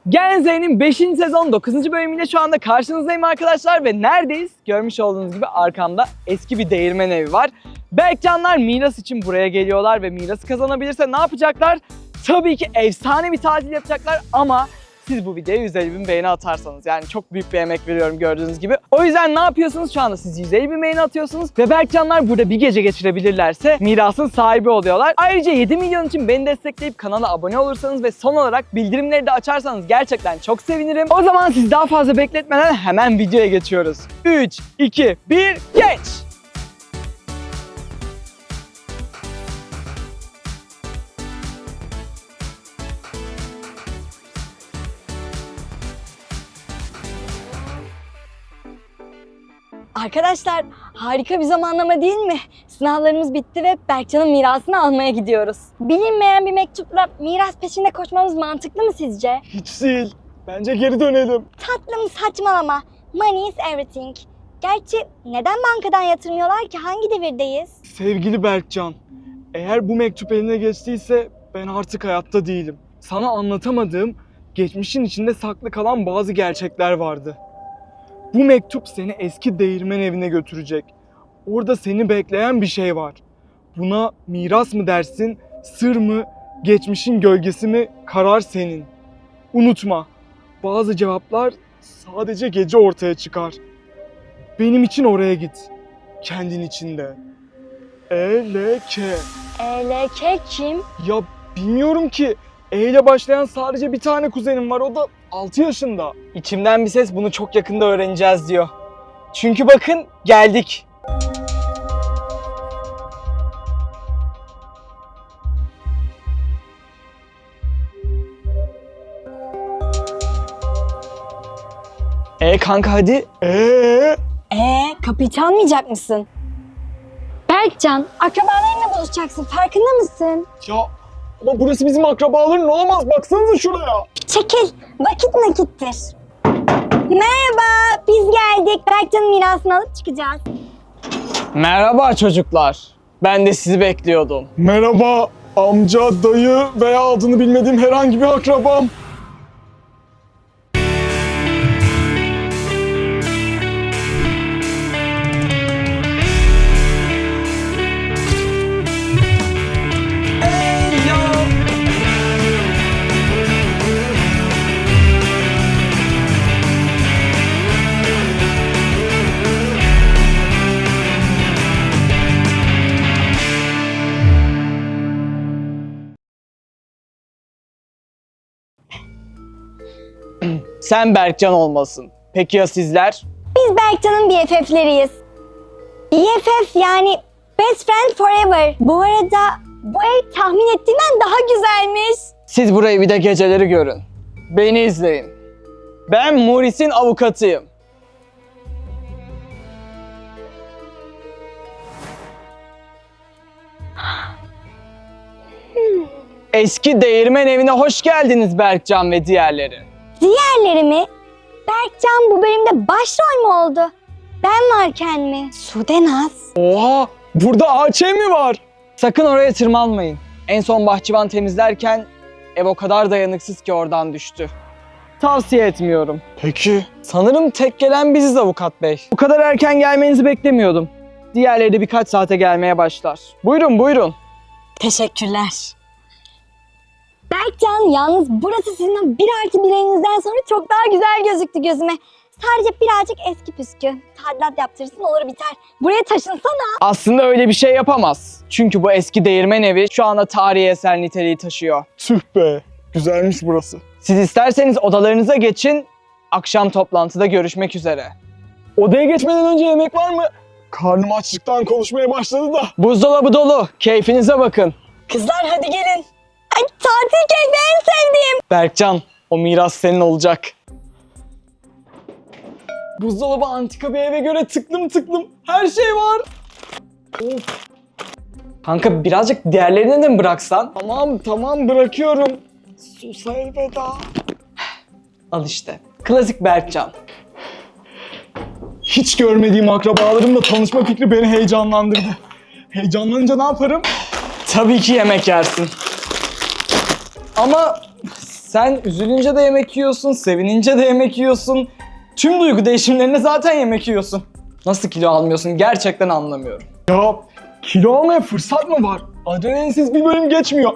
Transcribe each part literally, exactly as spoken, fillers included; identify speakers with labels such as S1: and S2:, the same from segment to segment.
S1: Gen Z'nin beşinci sezon dokuzuncu bölümüyle şu anda karşınızdayım arkadaşlar ve neredeyiz? Görmüş olduğunuz gibi arkamda eski bir değirmen evi var. Berkcanlar miras için buraya geliyorlar ve mirası kazanabilirse ne yapacaklar? Tabii ki efsane bir tatil yapacaklar ama siz bu videoya yüz elli bin beğeni atarsanız, yani çok büyük bir emek veriyorum gördüğünüz gibi. O yüzden ne yapıyorsunuz? Şu anda siz yüz elli bin beğeni atıyorsunuz ve Berkcanlar burada bir gece geçirebilirlerse mirasın sahibi oluyorlar. Ayrıca yedi milyon için beni destekleyip kanala abone olursanız ve son olarak bildirimleri de açarsanız gerçekten çok sevinirim. O zaman siz daha fazla bekletmeden hemen videoya geçiyoruz. üç, iki, bir, geç!
S2: Arkadaşlar harika bir zamanlama değil mi? Sınavlarımız bitti ve Berkcan'ın mirasını almaya gidiyoruz. Bilinmeyen bir mektupla miras peşinde koşmamız mantıklı mı sizce?
S1: Hiç değil. Bence geri dönelim.
S2: Tatlım saçmalama. Money is everything. Gerçi neden bankadan yatırmıyorlar ki? Hangi devirdeyiz?
S3: Sevgili Berkcan, eğer bu mektup eline geçtiyse ben artık hayatta değilim. Sana anlatamadığım, geçmişin içinde saklı kalan bazı gerçekler vardı. Bu mektup seni eski değirmen evine götürecek. Orada seni bekleyen bir şey var. Buna miras mı dersin, sır mı, geçmişin gölgesi mi, karar senin. Unutma, bazı cevaplar sadece gece ortaya çıkar. Benim için oraya git. Kendin için de. E L K.
S2: E L K kim?
S3: Ya bilmiyorum ki. E ile başlayan sadece bir tane kuzenim var. O da altı yaşında.
S1: İçimden bir ses bunu çok yakında öğreneceğiz diyor. Çünkü bakın geldik. E kanka hadi.
S3: Eee?
S2: Ee, kapıyı çalmayacak mısın? Berkcan, akrabalarınla buluşacaksın. Farkında mısın?
S3: Ya ama burası bizim akrabaların olamaz. Baksanıza şuraya.
S2: Çekil, vakit nakittir. Merhaba, biz geldik. Berkcan'ın mirasını alıp çıkacağız.
S1: Merhaba çocuklar. Ben de sizi bekliyordum.
S3: Merhaba amca, dayı veya adını bilmediğim herhangi bir akrabam.
S1: Sen Berkcan olmasın. Peki ya sizler?
S2: Biz Berkcan'ın B F F'leriyiz. B F F yani Best Friend Forever. Bu arada bu ev tahmin ettiğimden daha güzelmiş.
S1: Siz burayı bir de geceleri görün. Beni izleyin. Ben Maurice'in avukatıyım. Eski değirmen evine hoş geldiniz Berkcan ve diğerleri.
S2: Diğerleri mi? Berkcan bu bölümde başrol mü oldu? Ben varken mi? Sudenaz.
S3: Oha, burada ağaç ev mi var?
S1: Sakın oraya tırmanmayın. En son bahçıvan temizlerken ev o kadar dayanıksız ki oradan düştü. Tavsiye etmiyorum.
S3: Peki.
S1: Sanırım tek gelen biziz avukat bey. Bu kadar erken gelmenizi beklemiyordum. Diğerleri de birkaç saate gelmeye başlar. Buyurun buyurun.
S2: Teşekkürler. Berkcan yalnız burası sizin o bir artı birinizden sonra çok daha güzel gözüktü gözüme. Sadece birazcık eski püskü. Tadilat yaptırırsın olur biter. Buraya taşınsana.
S1: Aslında öyle bir şey yapamaz. Çünkü bu eski değirmen evi şu anda tarihi eser niteliği taşıyor.
S3: Tüh be, güzelmiş burası.
S1: Siz isterseniz odalarınıza geçin. Akşam toplantıda görüşmek üzere.
S3: Odaya geçmeden önce yemek var mı? Karnım açlıktan konuşmaya başladı da.
S1: Buzdolabı dolu. Keyfinize bakın.
S2: Kızlar hadi gelin. Ay, tatil keyfi en sevdiğim.
S1: Berkcan, o miras senin olacak.
S3: Buzdolabı antika bir eve göre tıklım tıklım. Her şey var. Of.
S1: Kanka birazcık diğerlerini de mi bıraksan?
S3: Tamam tamam bırakıyorum. Sus elveda.
S1: Al işte. Klasik Berkcan.
S3: Hiç görmediğim akrabalarımla tanışma fikri beni heyecanlandırdı. Heyecanlanınca ne yaparım?
S1: Tabii ki yemek yersin. Ama Sen üzülünce de yemek yiyorsun, sevinince de yemek yiyorsun. Tüm duygu değişimlerinde zaten yemek yiyorsun. Nasıl kilo almıyorsun gerçekten anlamıyorum.
S3: Ya kilo almaya fırsat mı var? Adrenalinsiz bir bölüm geçmiyor.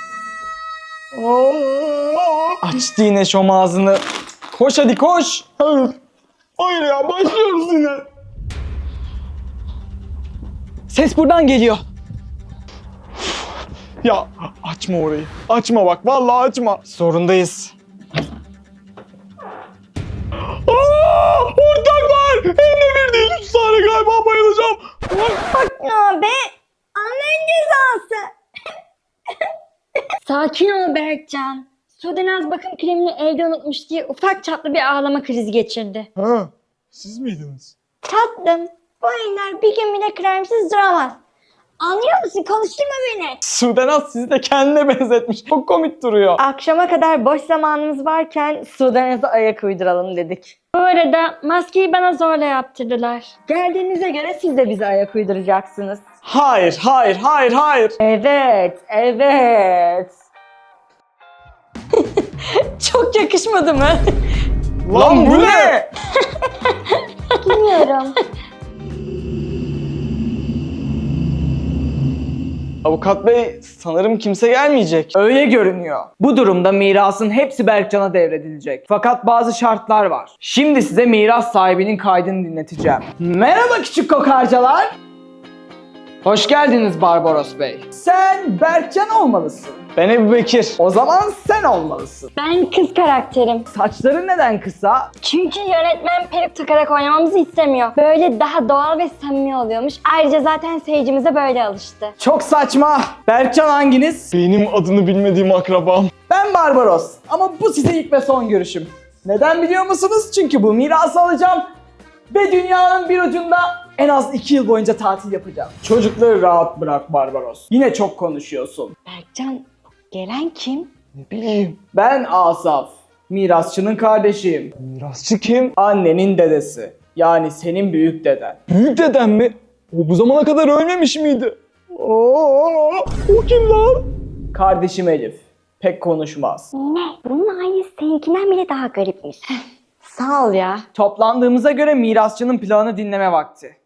S3: Aa!
S1: Açtı yine şom ağzını. Koş hadi koş.
S3: Hayır. Hayır ya, başlıyoruz yine.
S1: Ses buradan geliyor.
S3: Ya açma orayı. Açma bak, vallahi açma.
S1: Zorundayız.
S3: Aa, ortak var. Hem de bir değil, üç tane galiba bayılacağım.
S2: Ne be? Annen cezası. Sakin ol Berkcan. Sudenaz bakım kremini evde unutmuş diye ufak çaplı bir ağlama krizi geçirdi.
S3: Ha, siz miydiniz?
S2: Tatlım, bu eller bir gün bile kremsiz duramaz. Anlıyor musun? Konuşturma beni.
S1: Sudenaz sizi de kendine benzetmiş. Çok komik duruyor.
S2: Akşama kadar boş zamanımız varken Sudenaz'a ayak uyduralım dedik. Bu arada maskeyi bana zorla yaptırdılar. Geldiğinize göre siz de bize ayak uyduracaksınız.
S1: Hayır, hayır, hayır, hayır.
S2: Evet, evet. Çok yakışmadı mı?
S1: Lan bu ne?
S2: Bilmiyorum.
S1: Avukat bey, sanırım kimse gelmeyecek. Öyle görünüyor. Bu durumda mirasın hepsi Berkcan'a devredilecek. Fakat bazı şartlar var. Şimdi size miras sahibinin kaydını dinleteceğim. Merhaba küçük kokarcalar. Hoş geldiniz Barbaros Bey. Sen Berkcan olmalısın. Ben Ebu Bekir. O zaman sen olmalısın.
S2: Ben kız karakterim.
S1: Saçların neden kısa?
S2: Çünkü yönetmen peruk takarak oynamamızı istemiyor. Böyle daha doğal ve samimi oluyormuş. Ayrıca zaten seyircimize böyle alıştı.
S1: Çok saçma. Berkcan hanginiz?
S3: Benim adını bilmediğim akrabam.
S1: Ben Barbaros ama bu size ilk ve son görüşüm. Neden biliyor musunuz? Çünkü bu mirası alacağım ve dünyanın bir ucunda en az iki yıl boyunca tatil yapacağım. Çocukları rahat bırak Barbaros. Yine çok konuşuyorsun.
S2: Berkcan, gelen kim?
S3: Ne bileyim.
S1: Ben Asaf. Mirasçının kardeşiyim.
S3: Mirasçı kim?
S1: Annenin dedesi. Yani senin büyük deden.
S3: Büyük dedem mi? O bu zamana kadar ölmemiş miydi? Oo, o kim lan?
S1: Kardeşim Elif. Pek konuşmaz.
S2: Ne? Bunun ailesi seninkinden bile daha garipmiş. Sağ ol ya.
S1: Toplandığımıza göre mirasçının planını dinleme vakti.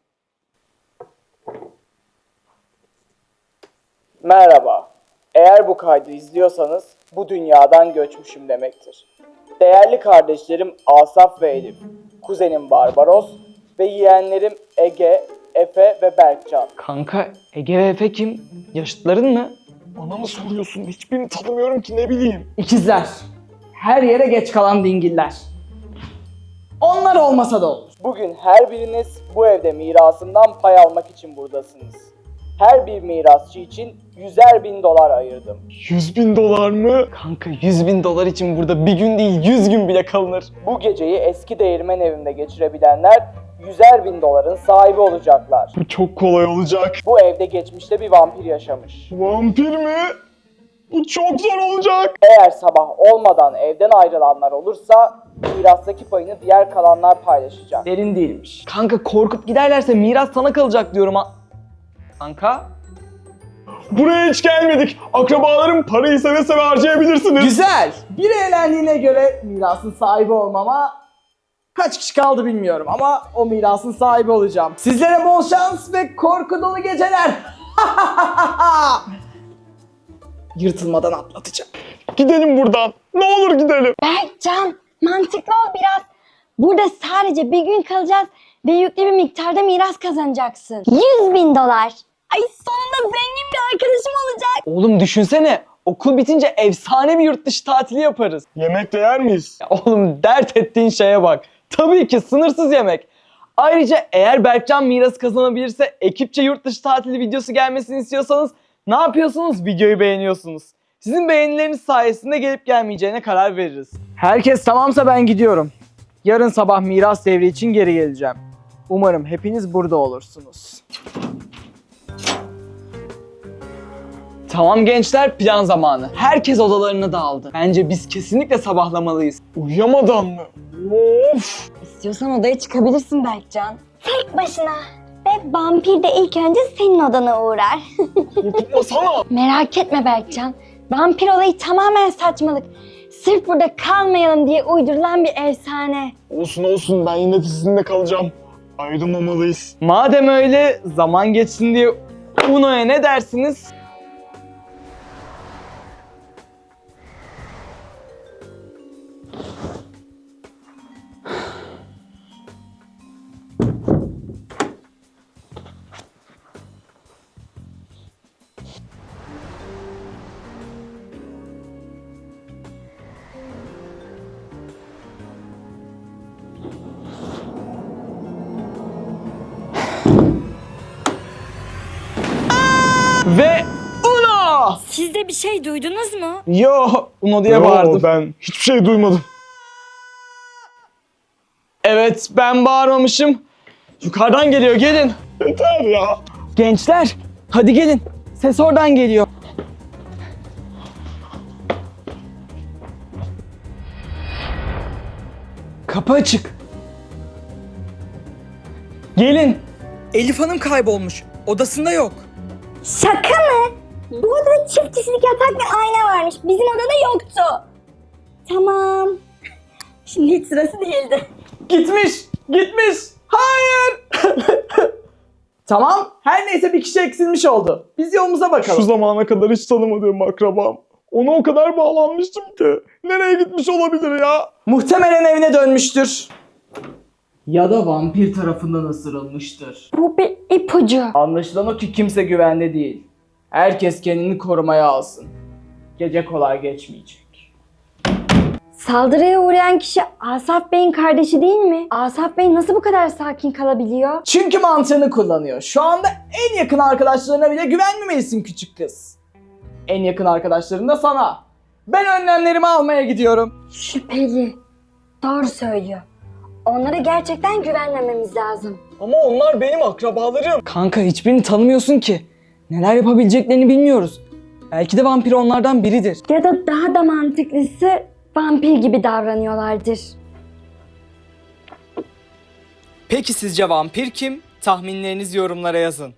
S1: Merhaba. Eğer bu kaydı izliyorsanız bu dünyadan göçmüşüm demektir. Değerli kardeşlerim Asaf ve Elif, kuzenim Barbaros ve yeğenlerim Ege, Efe ve Berkcan. Kanka Ege ve Efe kim? Yaşıtların mı?
S3: Bana mı soruyorsun? Hiçbirini tanımıyorum ki, ne bileyim.
S1: İkizler. Her yere geç kalan dingiller. Onlar olmasa da olur. Bugün her biriniz bu evde mirasından pay almak için buradasınız. Her bir mirasçı için yüzer bin dolar ayırdım.
S3: Yüz bin dolar mı?
S1: Kanka yüz bin dolar için burada bir gün değil yüz gün bile kalınır. Bu geceyi eski değirmen evinde geçirebilenler yüzer bin doların sahibi olacaklar.
S3: Bu çok kolay olacak.
S1: Bu evde geçmişte bir vampir yaşamış.
S3: Vampir mi? Bu çok zor olacak.
S1: Eğer sabah olmadan evden ayrılanlar olursa mirastaki payını diğer kalanlar paylaşacak. Derin değilmiş. Kanka korkup giderlerse miras sana kalacak diyorum ha. Kanka?
S3: Buraya hiç gelmedik. Akrabalarım parayı seve seve harcayabilirsiniz.
S1: Güzel. Bir eğlendiğine göre mirasın sahibi olmama kaç kişi kaldı bilmiyorum ama o mirasın sahibi olacağım. Sizlere bol şans ve korku dolu geceler. Yırtılmadan atlatacağım.
S3: Gidelim buradan. Ne olur gidelim.
S2: Berkcan, mantıklı ol biraz. Burada sadece bir gün kalacağız ve yüklü bir miktarda miras kazanacaksın. yüz bin dolar. Ay sonunda zengin bir arkadaşım olacak.
S1: Oğlum düşünsene okul bitince efsane bir yurt dışı tatili yaparız.
S3: Yemek de yer miyiz?
S1: Ya oğlum dert ettiğin şeye bak. Tabii ki sınırsız yemek. Ayrıca eğer Berkcan miras kazanabilirse ekipçe yurt dışı tatili videosu gelmesini istiyorsanız ne yapıyorsunuz? Videoyu beğeniyorsunuz. Sizin beğenileriniz sayesinde gelip gelmeyeceğine karar veririz. Herkes tamamsa ben gidiyorum. Yarın sabah miras devri için geri geleceğim. Umarım hepiniz burada olursunuz. Tamam gençler, plan zamanı. Herkes odalarına dağıldı. Bence biz kesinlikle sabahlamalıyız.
S3: Uyuyamadan mı? Of!
S2: İstiyorsan odaya çıkabilirsin Berkcan. Tek başına. Ve vampir de ilk önce senin odana uğrar.
S3: Korkutmasana.
S2: Merak etme Berkcan. Vampir olayı tamamen saçmalık. Sırf burada kalmayalım diye uydurulan bir efsane.
S3: Olsun olsun, ben yine de sizinle kalacağım. Ayrılmamalıyız.
S1: Madem öyle, zaman geçsin diye Uno'ya ne dersiniz? Ve Uno!
S2: Siz de bir şey duydunuz mu?
S1: Yo, Uno diye
S3: Yo,
S1: bağırdım.
S3: ben hiçbir şey duymadım.
S1: Evet, ben bağırmamışım. Yukarıdan geliyor, gelin.
S3: Yeter ya.
S1: Gençler, hadi gelin. Ses oradan geliyor. Kapı açık. Gelin. Elif Hanım kaybolmuş. Odasında yok.
S2: Şaka mı? Bu odada çift kişilik yatak ve ayna varmış. Bizim odada yoktu. Tamam. Şimdi hiç sırası değildi.
S1: Gitmiş, gitmiş. Hayır. Tamam, her neyse bir kişi eksilmiş oldu. Biz yolumuza bakalım.
S3: Şu zamana kadar hiç tanımadığım akrabam. Ona o kadar bağlanmıştım ki. Nereye gitmiş olabilir ya?
S1: Muhtemelen evine dönmüştür. Ya da vampir tarafından ısırılmıştır.
S2: Bu bir ipucu.
S1: Anlaşılan o ki kimse güvende değil. Herkes kendini korumaya alsın. Gece kolay geçmeyecek.
S2: Saldırıya uğrayan kişi Asaf Bey'in kardeşi değil mi? Asaf Bey nasıl bu kadar sakin kalabiliyor?
S1: Çünkü mantığını kullanıyor. Şu anda en yakın arkadaşlarına bile güvenmemelisin küçük kız. En yakın arkadaşların da sana. Ben önlemlerimi almaya gidiyorum.
S2: Şüpheli. Doğru söylüyor. Onlara gerçekten güvenmememiz lazım.
S3: Ama onlar benim akrabalarım.
S1: Kanka, hiçbirini tanımıyorsun ki. Neler yapabileceklerini bilmiyoruz. Belki de vampir onlardan biridir.
S2: Ya da daha da mantıklısı vampir gibi davranıyorlardır.
S1: Peki sizce vampir kim? Tahminlerinizi yorumlara yazın.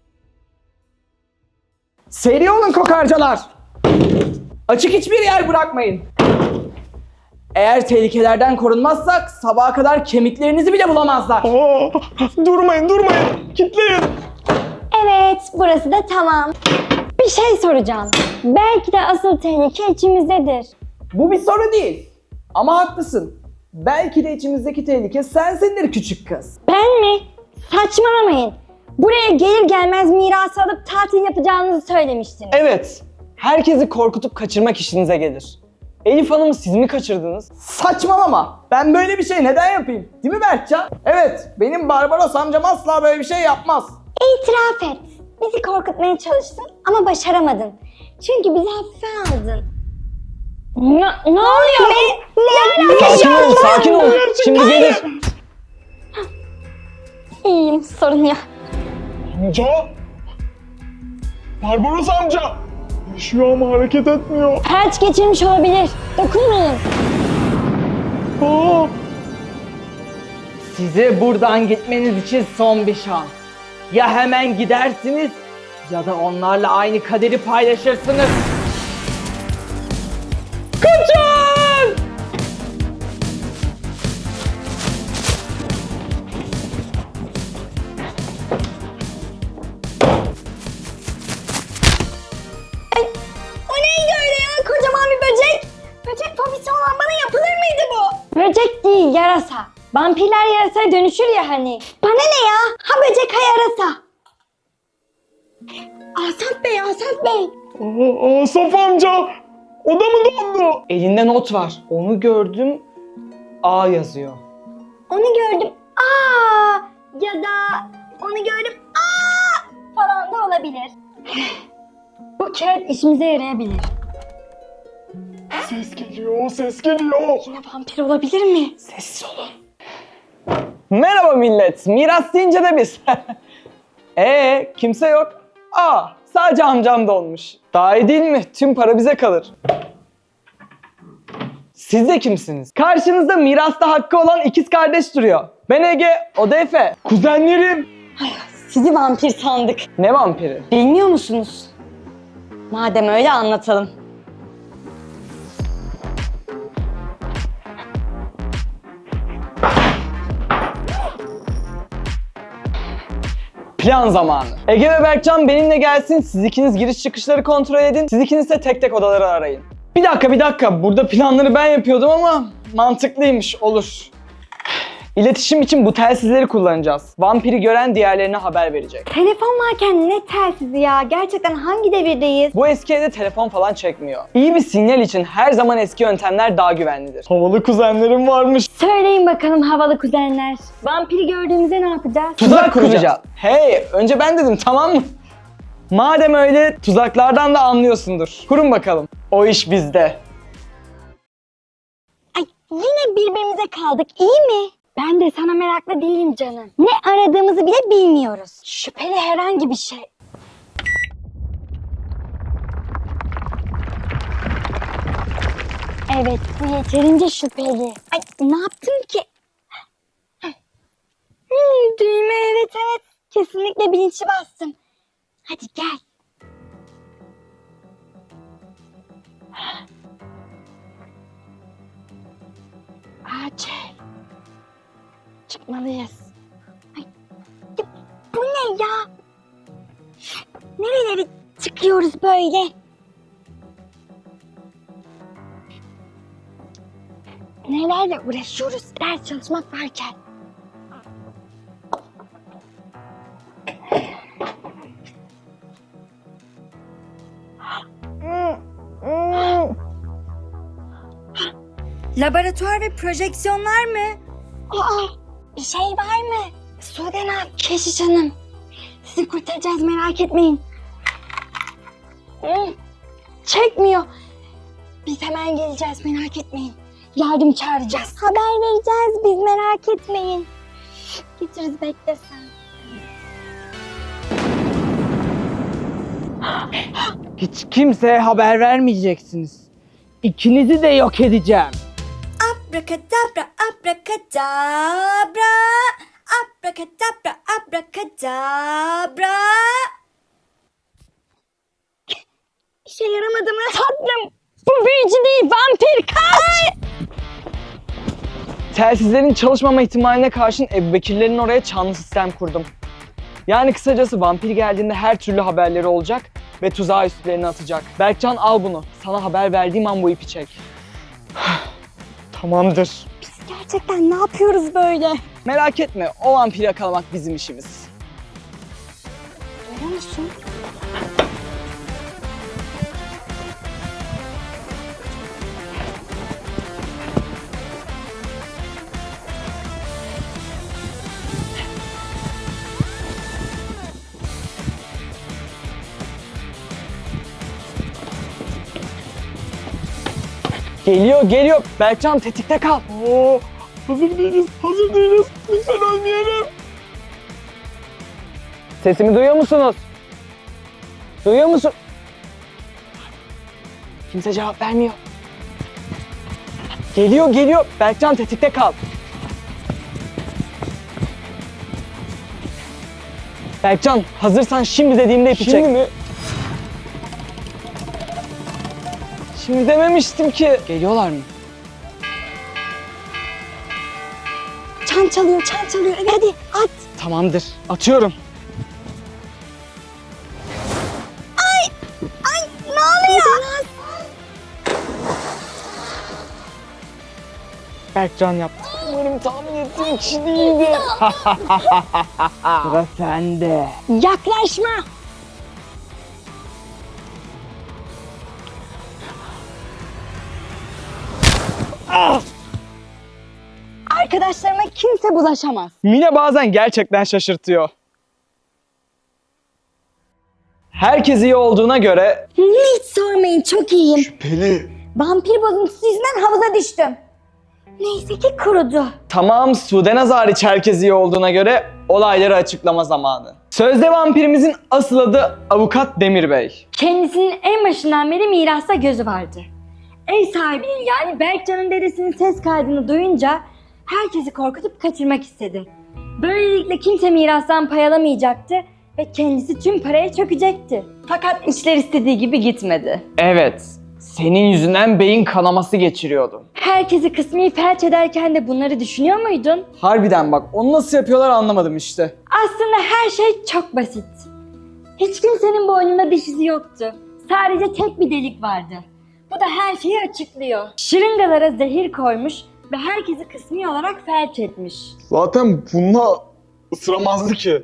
S1: Seri olun kokarcalar. Açık hiçbir yer bırakmayın. Eğer tehlikelerden korunmazsak sabaha kadar kemiklerinizi bile bulamazlar.
S3: Aa, durmayın durmayın. Kitleyin.
S2: Evet, burası da tamam. Bir şey soracağım. Belki de asıl tehlike içimizdedir.
S1: Bu bir soru değil. Ama haklısın. Belki de içimizdeki tehlike sensindir küçük kız.
S2: Ben mi? Saçmalamayın. Buraya gelir gelmez mirası alıp tatil yapacağınızı söylemiştiniz.
S1: Evet. Herkesi korkutup kaçırmak işinize gelir. Elif Hanım'ı siz mi kaçırdınız? Saçmalama. Ben böyle bir şey neden yapayım? Değil mi Berkcan? Evet. Benim Barbaros amcam asla böyle bir şey yapmaz.
S2: İtiraf et. Bizi korkutmaya çalıştın ama başaramadın. Çünkü bizi hafife aldın. Ne, ne oluyor be? Ne
S1: Sakin ol, sakin ol. Şimdi gelir.
S2: İyiyim, sorun yok.
S3: Amca. Barbaros amca. Yaşıyor ama hareket etmiyor.
S2: Felç geçirmiş olabilir. Dokunmayın.
S3: Aa,
S1: Size buradan gitmeniz için son bir şans. Ya hemen gidersiniz ya da onlarla aynı kaderi paylaşırsınız. Kaçın!
S2: O neydi öyle ya? Kocaman bir böcek. Böcek fobisi olan bana yapılır mıydı bu? Böcek değil, yarasa. Vampirler yarasaya dönüşür ya hani. Bana ne ya? Ha böcek ha yarasa. Asaf Bey, Asaf Bey.
S3: aa, Asaf amca. O da mı dondu?
S1: Elinde not var. Onu gördüm. A yazıyor.
S2: Onu gördüm. Aa! Ya da onu gördüm. Aa! Falan da olabilir. Bu kağıt işimize yarayabilir. Ses geliyor.
S3: Geliyor, ses geliyor.
S2: Yine vampir olabilir mi?
S1: Sessiz olun. Merhaba millet. Miras deyince de biz. Ee, kimse yok. Aa, sadece amcam dolmuş. Daha iyi değil mi? Tüm para bize kalır. Siz de kimsiniz? Karşınızda mirasta hakkı olan ikiz kardeş duruyor. Ben Ege, o da Efe.
S3: Kuzenlerim.
S2: Sizi vampir sandık.
S1: Ne vampiri?
S2: Bilmiyor musunuz? Madem öyle anlatalım.
S1: Plan zamanı. Ege ve Berkcan benimle gelsin. Siz ikiniz giriş çıkışları kontrol edin. Siz ikiniz de tek tek odaları arayın. Bir dakika bir dakika. Burada planları ben yapıyordum ama mantıklıymış. Olur. İletişim için bu telsizleri kullanacağız. Vampiri gören diğerlerine haber verecek.
S2: Telefon varken ne telsizi ya? Gerçekten hangi devirdeyiz?
S1: Bu eski evde telefon falan çekmiyor. İyi bir sinyal için her zaman eski yöntemler daha güvenlidir. Havalı kuzenlerim varmış.
S2: Söyleyin bakalım havalı kuzenler. Vampiri gördüğümüzde ne yapacağız?
S1: Tuzak kuracağız. Hey, önce ben dedim, tamam mı? Madem öyle, tuzaklardan da anlıyorsundur. Kurun bakalım. O iş bizde.
S2: Ay yine birbirimize kaldık, iyi mi? Ben de sana meraklı değilim canım. Ne aradığımızı bile bilmiyoruz. Şüpheli herhangi bir şey. Evet, bu yeterince şüpheli. Ay ne yaptım ki? Hmm, düğme evet evet. Kesinlikle bilinçli bastım. Hadi gel. Acil. Çıkmalıyız. Ay, ya, bu ne ya? Nerelere çıkıyoruz böyle? Nelerle uğraşıyoruz ders çalışmak varken.
S4: Laboratuvar ve projeksiyonlar mı?
S2: Aa, bir şey var mı? Sudena, Keşiş Hanım. Sizi kurtaracağız, merak etmeyin. Hmm, çekmiyor. Biz hemen geleceğiz, merak etmeyin. Yardım çağıracağız. Haber vereceğiz, biz merak etmeyin. Getiririz, bekle sen.
S1: Hiç kimseye haber vermeyeceksiniz. İkinizi de yok edeceğim.
S4: Abrakadabra, abrakadabra. Abrakadabra, abrakadabra.
S2: İşe yaramadı mı? Tatlım, bu büyücü değil, vampir, kaç!
S1: Telsizlerin çalışmama ihtimaline karşın Ebubekirlerin oraya çanlı sistem kurdum. Yani kısacası vampir geldiğinde her türlü haberleri olacak ve tuzağı üstlerine atacak. Berkcan al bunu. Sana haber verdiğim an bu ipi çek. Tamamdır.
S2: Biz gerçekten ne yapıyoruz böyle?
S1: Merak etme, o vampiri yakalamak bizim işimiz.
S2: Görüyor musun?
S1: Geliyor, geliyor. Berkcan tetikte kal. Oo, hazır değiliz, hazır değiliz. Lütfen ölmeyelim. Sesimi duyuyor musunuz? Duyuyor musun? Kimse cevap vermiyor. Geliyor, geliyor. Berkcan tetikte kal. Berkcan hazırsan şimdi dediğimde ipi çek. Şimdi mi? Şimdi dememiştim ki. Geliyorlar mı?
S2: Çan çalıyor, çan çalıyor. Evet, hadi at.
S1: Tamamdır. Atıyorum.
S2: Ay, ne oluyor?
S1: Berkcan yaptı. Umarım tahmin ettiğim kişi değildi. Sıra sende.
S2: Yaklaşma.
S1: Ah!
S2: Arkadaşlarıma kimse bulaşamaz.
S1: Mine bazen gerçekten şaşırtıyor. Herkes iyi olduğuna göre
S2: Hiç sormayın, çok iyiyim.
S3: Şüpheli.
S2: Vampir bozuntusu yüzünden havuza düştüm. Neyse ki kurudu.
S1: tamam Sudenaz hariç herkes iyi olduğuna göre olayları açıklama zamanı. Sözde vampirimizin asıl adı Avukat Demir Bey.
S2: Kendisinin en başından beri mirasta gözü vardı. Ev sahibinin yani Berkcan'ın dedesinin ses kaydını duyunca herkesi korkutup kaçırmak istedi. Böylelikle kimse mirastan pay alamayacaktı ve kendisi tüm paraya çökecekti. Fakat işler istediği gibi gitmedi.
S1: Evet, senin yüzünden beyin kanaması geçiriyordum.
S2: Herkesi kısmi felç ederken de bunları düşünüyor muydun?
S1: Harbiden bak, onu nasıl yapıyorlar anlamadım işte.
S2: Aslında her şey çok basit. Hiç kimsenin boynunda diş izi yoktu. Sadece tek bir delik vardı. Bu da her şeyi açıklıyor. Şırıngalara zehir koymuş ve herkesi kısmi olarak felç etmiş.
S3: Zaten bununla ısıramazdı ki.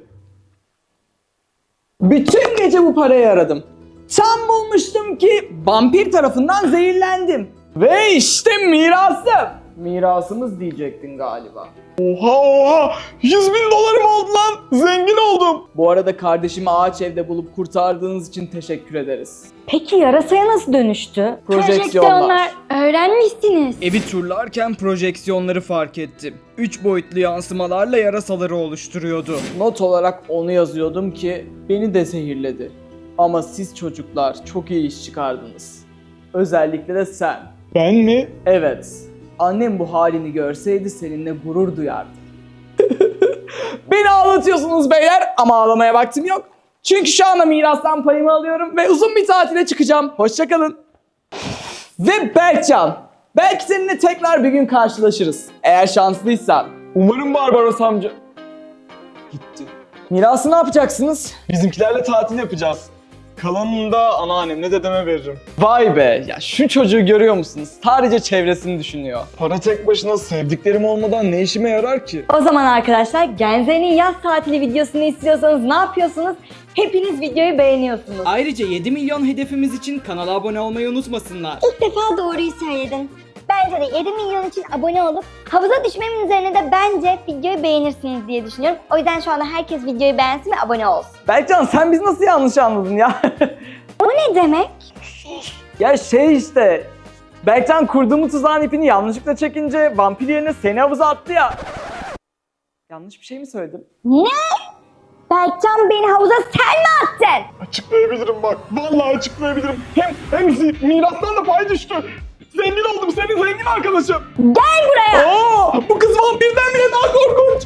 S1: Bütün gece bu parayı aradım. Tam bulmuştum ki vampir tarafından zehirlendim. Ve işte mirasım. Mirasımız diyecektin galiba.
S3: Oha oha! yüz bin dolarım oldu lan! Zengin oldum!
S1: Bu arada kardeşimi ağaç evde bulup kurtardığınız için teşekkür ederiz.
S2: Peki yarasaya nasıl dönüştü?
S1: Projeksiyonlar.
S2: Öğrenmişsiniz.
S1: Evi turlarken projeksiyonları fark ettim. Üç boyutlu yansımalarla yarasaları oluşturuyordu. Not olarak onu yazıyordum ki beni de zehirledi. Ama siz çocuklar çok iyi iş çıkardınız. Özellikle de sen.
S3: Ben mi?
S1: Evet. Annem bu halini görseydi seninle gurur duyardı. Beni ağlatıyorsunuz beyler ama ağlamaya vaktim yok. Çünkü şu anda mirastan payımı alıyorum ve uzun bir tatile çıkacağım. Hoşçakalın. Ve Berkcan, belki seninle tekrar bir gün karşılaşırız. Eğer şanslıysan.
S3: Umarım Barbaros amca.
S1: Gitti. Mirası ne yapacaksınız?
S3: Bizimkilerle tatil yapacağız. Kalanını da anneannemle dedeme veririm.
S1: Vay be, ya şu çocuğu görüyor musunuz? Sadece çevresini düşünüyor.
S3: Para tek başına sevdiklerim olmadan ne işime yarar ki?
S2: O zaman arkadaşlar Genze'nin yaz tatili videosunu istiyorsanız ne yapıyorsunuz? Hepiniz videoyu beğeniyorsunuz.
S1: Ayrıca yedi milyon hedefimiz için kanala abone olmayı unutmasınlar.
S2: İlk defa doğruyu söyledin. Bence de yedi milyon için abone olup havuza düşmemin üzerine de bence videoyu beğenirsiniz diye düşünüyorum. O yüzden şu anda herkes videoyu beğensin ve abone olsun.
S1: Berkcan sen biz nasıl yanlış anladın ya?
S2: O ne demek?
S1: Ya şey işte, Berkcan kurduğumu tuzağın ipini yanlışlıkla çekince vampir yerine seni havuza attı ya. Yanlış bir şey mi söyledim?
S2: Ne? Berkcan beni havuza sen mi attın?
S3: Açıklayabilirim bak. Vallahi açıklayabilirim. Hem hem zi- mirastan da pay düştü. Zengin oldum. Senin zengin arkadaşım.
S2: Gel buraya!
S3: Aa, bu kız vampirden bile daha korkunç.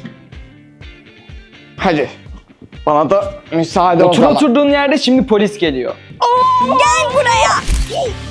S1: Hadi. Bana da müsaade
S3: o
S1: Otur
S3: zaman.
S1: oturduğun yerde şimdi polis geliyor.
S2: Gel buraya!